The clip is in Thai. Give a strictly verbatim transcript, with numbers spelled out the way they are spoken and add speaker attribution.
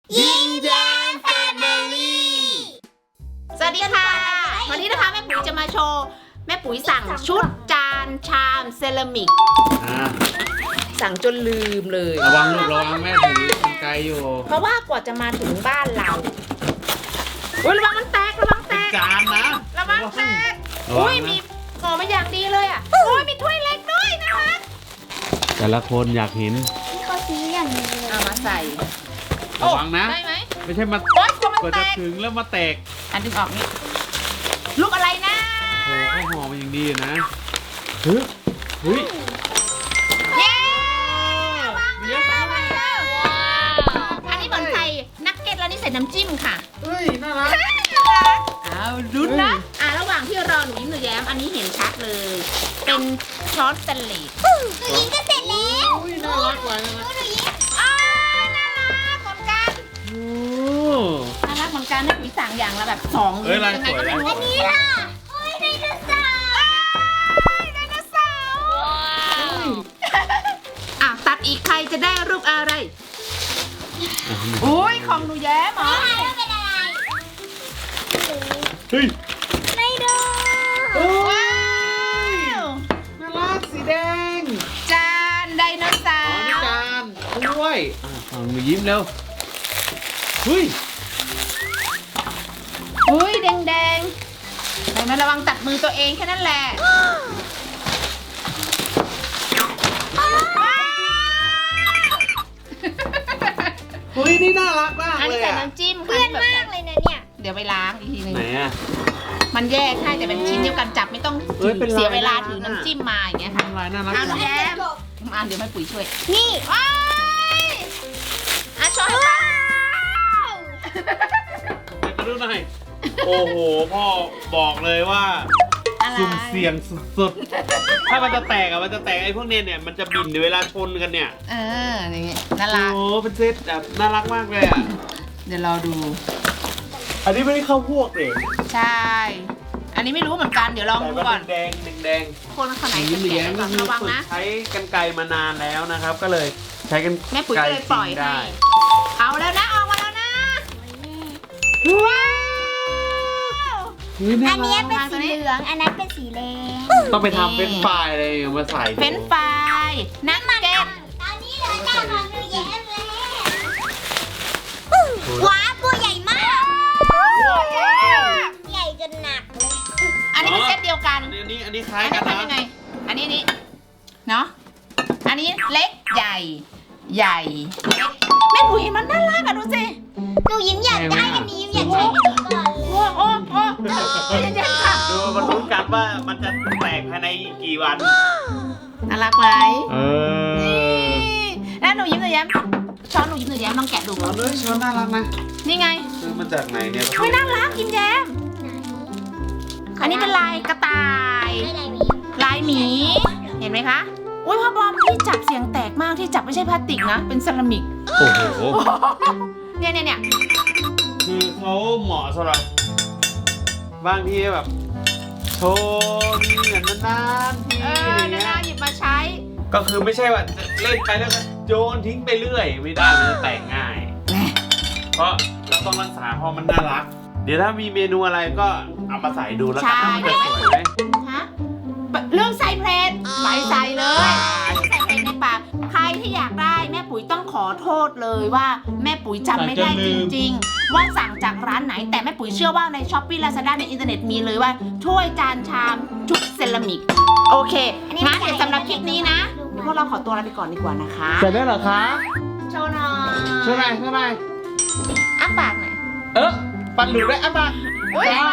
Speaker 1: ยิ้มแย้มแฟมิลี่สวัสดีค่ะวันนี้นะคะแม่ปุ๋ยจะมาโชว์แม่ปุ๋ยสั่งชุดจานชามเซรามิกสั่งจนลืมเลย
Speaker 2: ระวังลูกระวังแม่ถือกันไกลอยู่
Speaker 1: เพราะว่ากว่าจะมาถึงบ้านเราอุ้ยระวังมันแตกระวังแตก
Speaker 2: จานนะ
Speaker 1: ระวังแตกอุ้ยมีห่อมาอย่างดีเลยอ่ะโอ้ยมีถ้วยเล็กด้วยนะคะ
Speaker 2: แต่ละคนอยากเห็น
Speaker 3: ที่เขาซื้ออย่างนี้เลย
Speaker 1: เอามาใส่
Speaker 2: ระวังนะ
Speaker 1: ได้ไหม
Speaker 2: ไม่ใช่มา
Speaker 1: โอ๊ยกลัวมัน
Speaker 2: กว่า
Speaker 1: แต
Speaker 2: จะ
Speaker 1: ก
Speaker 2: ถึงแล้วมาแตก
Speaker 1: อันดึงออกนี่ลูกอะไรนะ
Speaker 2: โอ้เขาห่อมาอย่างดีนะเฮ้ยเฮ้ย
Speaker 1: เย้วางมาแล้วมาแล้วอันนี้เหมือนใส่นักเก็ตแล้วนี่ใส่น้ำจิ้มค่ะ
Speaker 2: เฮ้ยน่ารัก
Speaker 1: เอาลุ้นนะอ่ะระหว่างที่รอหนูยิ้มหนูแย้มอันนี้เห็นชัดเลย เป็นช้อนสเตนเลส
Speaker 3: หนูยิ้มก็เสร็จแล้ว
Speaker 2: อุ้ยน่ารักกว่านะ
Speaker 3: หนูยิ้ม
Speaker 1: อ้าวน่ารักเหมือนกัน
Speaker 2: โอ้
Speaker 1: น่ารักเหมือนกันนะปุ๋ยสั่งอย่างละแบบสองหรือยังไงก็ไม่รู้
Speaker 3: อันนี้ล่ะโอ้ยไดโนเสาร์
Speaker 1: ไดโนเสาร์อ่ะตัดอีกใครจะได้รูปอะไรโอ้ยของหนูแย้มเหรอ
Speaker 3: แล้วเป็นอะไร
Speaker 2: เฮ้ย
Speaker 3: ไดโน
Speaker 1: ว้าว
Speaker 2: น่ารักสีแดง
Speaker 1: จานไดโนเสา
Speaker 2: อ๋อ
Speaker 1: ร์
Speaker 2: นี่จานด้วยอ่ะฟังหนูยิ้มเร็วเฮ้ย
Speaker 1: อุ้ยแดงแดงๆแต่มาระวังตัดมือตัวเองแค่นั้นแหละ
Speaker 2: เฮ้ยนี่น่ารักมาก
Speaker 1: อัน
Speaker 2: เล
Speaker 1: นี้
Speaker 2: ย
Speaker 1: ใส่
Speaker 2: อ่ะ
Speaker 1: น้ำจิ้ม
Speaker 3: เพื่อนมากเลยนะเนี่ย
Speaker 1: เดี๋ยวไปล้างอีกทีหนึง
Speaker 2: ไหนอ่ะ
Speaker 1: มันแยกใช่แต่เป็นชิ้นเดียวกันจับไม่ต้อง
Speaker 2: เอ้ยเป็นลาย
Speaker 1: เสียเวลา
Speaker 2: น่ารัก
Speaker 1: ถือน้ำจิ้มมาอย่างเงี้ยค่ะ
Speaker 2: ลายน่ารัก
Speaker 1: เอา
Speaker 2: จัง
Speaker 1: แย้มมาเดี๋ยวแม่ปุ๋ยช่วย
Speaker 3: นี่
Speaker 1: ว้ายอ่ะช้อน
Speaker 3: ว้าว
Speaker 2: มาดูหน่อยโอ้โหพ่อบอกเลยว่า
Speaker 1: อะไร
Speaker 2: สุ่มเสี่ยงสุดๆ ถ้ามันจะแตกอะมันจะแตกไอ้พวกเนี้ยเนี่ยมันจะบินเวลาชนกันเนี่ย
Speaker 1: เอออย่างเงี้ยน่ารัก
Speaker 2: โอ้เป็นเซตแบบน่ารักมากเลยอะ
Speaker 1: เดี๋ยวรอดู
Speaker 2: อันนี้ไม่ได้เข้าพวกเลย
Speaker 1: ใช่ อันนี้ไม่รู้เหมือนกันเดี๋ยวลอง
Speaker 2: แต่
Speaker 1: ดู
Speaker 2: ว่า
Speaker 1: ก่อน
Speaker 2: แดงแดง
Speaker 1: คนข้างไหน
Speaker 2: ยิ้
Speaker 1: จะ
Speaker 2: มแย้
Speaker 1: แกะ
Speaker 2: ม
Speaker 1: ก่
Speaker 2: ก็
Speaker 1: อน
Speaker 2: คือ
Speaker 1: ระวัง
Speaker 2: ฝึก
Speaker 1: นะ
Speaker 2: ใช้กันไกรมานานแล้วนะครับ ก็เลยใช้กัน
Speaker 1: แม่ปุ๋ยก็เลยปล่อย
Speaker 2: ไกร
Speaker 1: ให้
Speaker 2: ได้
Speaker 1: เอาแล้วนะออกมาแล้วนะว้าว
Speaker 2: เฮ้ยน่า
Speaker 3: อันนี้
Speaker 2: รัก
Speaker 3: เป็นสีเหลือง อันนั้นเป็นสีแดง
Speaker 2: ต้องไปทำเป็นไฟล์อะไรมาใส่ดู
Speaker 1: เป็นไฟล์นักเก็ต
Speaker 3: ตอนนี้เหลือแต่ของหนูแย้มแล้วว้าวตัวใหญ่มาก ใหญ่จนหนักเลย
Speaker 1: อันนี้เป็นเซตเดียวกัน
Speaker 2: อันนี้อันนี้คล้า
Speaker 1: อั
Speaker 2: ย
Speaker 1: น
Speaker 2: กั
Speaker 1: นี้
Speaker 2: น
Speaker 1: ทำ
Speaker 2: นะ
Speaker 1: ยังไง อันนี้นี่เนาะ อันนี้เล็กใหญ่ ใหญ่เล็กแม่ปุ๋ยมันน่ารักอะดูสิ
Speaker 3: หนูยิ้มอยากได้อันนี้อยากใช้อันนี้ก่อนเลย
Speaker 1: โอ้โอ้โอ้เย็นๆค่ะ
Speaker 2: ดูมันรู้กันว่ามันจะแตกภายในกี่วัน
Speaker 1: น่ารักไหม
Speaker 2: เออ
Speaker 1: นี่แล้วหนูยิ้มหนูแย้มช้อนหนูยิ้มหนูแย้มลองแกะดูก่
Speaker 2: เอา
Speaker 1: อน
Speaker 2: เลยช้อนน่ารักนะ
Speaker 1: นี่ไง
Speaker 2: ซื้อมาจากไหนเนี่ย
Speaker 1: เฮ้ยน่ารักยิ้มแย้ม อันนี้เป็นลายกระต่าย
Speaker 3: ได้ไหม
Speaker 1: ลายหมี เห็นไหมคะ อุ้ยพ่อบอมที่จับเสียงแตกมากที่จับไม่ใช่พลาสติกนะ เป็นเซรามิก
Speaker 2: โอ้โห
Speaker 1: เนี่ยเนี่ยเนี่ย
Speaker 2: คือเขาเหมาะสำหรับบางทีแบบโชว์มีเหมือนนานๆที
Speaker 1: เอ
Speaker 2: อะ
Speaker 1: อ
Speaker 2: ไร
Speaker 1: นา
Speaker 2: เงี้
Speaker 1: นาย หยิบมาใช้
Speaker 2: ก็คือไม่ใช่ว่าจะเล่นไปแล้วก็โยนทิ้งไปเรื่อย ไม่ได้มันจะแตกง่าย เพราะเราต้องรักษาเพราะมันน่ารัก เดี๋ยวถ้ามีเมนูอะไรก็เอามาใส่ดูแล้วกันว่ามันจะสวยไหม
Speaker 1: ฮะเรื่องใส่เพลทใส่ใส่เลยใส่เพลทในปากใครที่อยากได้แม่ปุ๋ยต้องขอโทษเลยว่าแม่ปุ๋ยจำไม่ได้จริงๆ ว่าสั่งจากร้านไหนแต่แม่ปุ๋ยเชื่อว่าในช้อปปี้ลาซาด้าในอินเทอร์เน็ตมีเลยว่าถ้วยจานชามชุดเซรามิกโอเคงั้นเดี๋ยวสำหรับคลิปนี้นะเดี๋ยวพวกเราขอตัวลาไปก่อนดีกว่านะคะ
Speaker 2: เสร็จแล้วเหรอคะ
Speaker 1: โชว์หน่อย
Speaker 2: เท่าไหร่เท่าไหร่
Speaker 1: อ้าปากหน่อย
Speaker 2: เออปันหลุดได้อ่ะมา
Speaker 1: อุ๊ย
Speaker 2: จ้า